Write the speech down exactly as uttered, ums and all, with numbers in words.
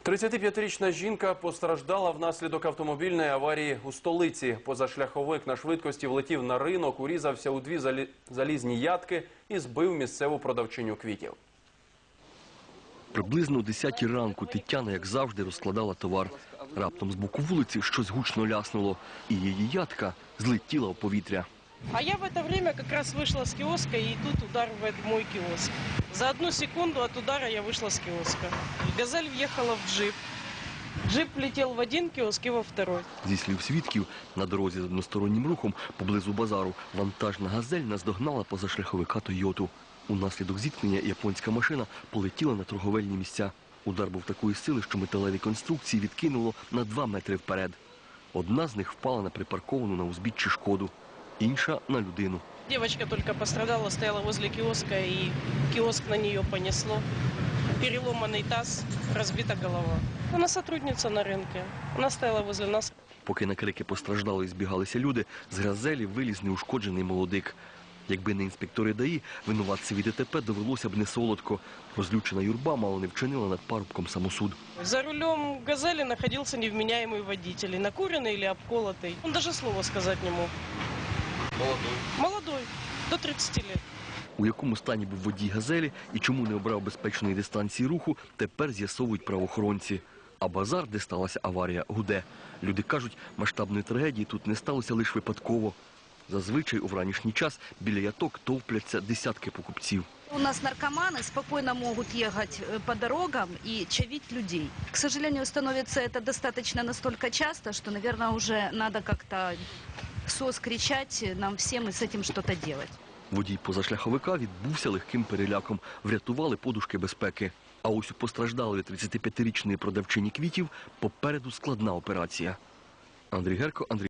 тридцятип'ятирічна жінка постраждала внаслідок автомобільної аварії у столиці. Позашляховик на швидкості влетів на ринок, урізався у дві залі... залізні ядки і збив місцеву продавчиню квітів. Приблизно о десятій ранку Тетяна, як завжди, розкладала товар. Раптом з боку вулиці щось гучно ляснуло, і її ядка злетіла у повітря. А я в это время как раз вышла с киоска, и тут удар в мой киоск. За одну секунду от удара я вышла с киоска. «Газель» въехала в джип. Джип влетел в один киоск и во второй. Зі слів свідків, на дорозі з одностороннім рухом поблизу базару вантажна «Газель» наздогнала позашляховика «Тойоту». Унаслідок зіткнення японська машина полетіла на торговельні місця. Удар був такої сили, що металеві конструкції відкинуло на два метри вперед. Одна з них впала на припарковану на узбіччі «Шкоду», інша – на людину. Девочка только пострадала, стояла возле киоска, и киоск на нее понесло. Переломанный таз, разбита голова. Она сотрудница на рынке. Она стояла возле нас. Поки на крики постраждалої збігалися люди, з «Газелі» виліз неушкоджений молодик. Якби не інспектори ДАІ, винуватцеві ДТП довелося б не солодко. Розлючена юрба мало не вчинила над парубком самосуд. За рулем «Газели» находился невменяемый водитель, накуренный или обколотый. Он даже слова сказать не мог. Молодой. Молодой, до тридцати лет. У якому стані був водій «Газелі» і чому не обрав безпечної дистанції руху, тепер з'ясовують правоохоронці. А базар, де сталася аварія, гуде. Люди кажуть, масштабної трагедії тут не сталося лише випадково. Зазвичай у вранішній час біля яток товпляться десятки покупців. У нас наркоманы спокойно могут ехать по дорогам и чавить людей. К сожалению, становится это достаточно настолько часто, что, наверное, уже надо как-то сос кричать нам всем и с этим что-то делать. Водій позашляховика відбувся легким переляком. Врятували подушки безпеки. А ось у постраждалої тридцятип'ятирічної продавчині квітів попереду складна операція. Андрій Герко, Андрій